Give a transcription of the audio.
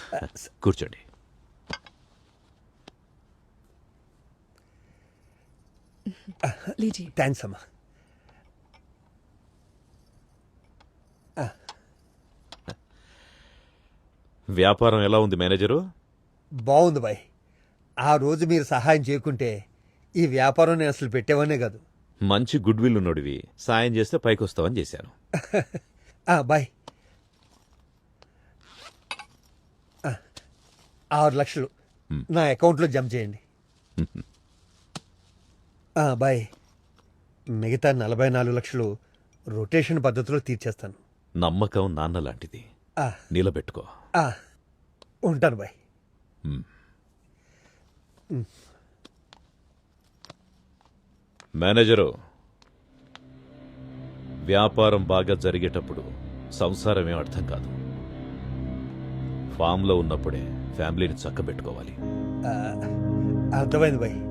కూర్చోండి. लीजिए। థ్యాంక్స్ అమ్మా. వ్యాపారం ఎలా ఉంది మేనేజరు? బాగుంది బాయ్. ఆ రోజు మీరు సహాయం చేయకుంటే ఈ వ్యాపారం నేను అసలు పెట్టేవనే కాదు. మంచి గుడ్ విల్ ఉన్నోడివి, సాయం చేస్తే పైకొస్తావని చేశాను. బాయ్. 6 లక్షలు నా అకౌంట్లో జమ చేయండి. బాయ్. మిగతా 44 లక్షలు రొటేషన్ పద్ధతిలో తీర్చేస్తాను. నమ్మకం నాన్న లాంటిది, నిలబెట్టుకో. ఉంటాను బాయ్. మేనేజరు, వ్యాపారం బాగా జరిగేటప్పుడు సంసారమేం అర్థం కాదు. ఫామ్లో ఉన్నప్పుడే ఫ్యామిలీని చక్కబెట్టుకోవాలి. అర్థమైంది బాయ్.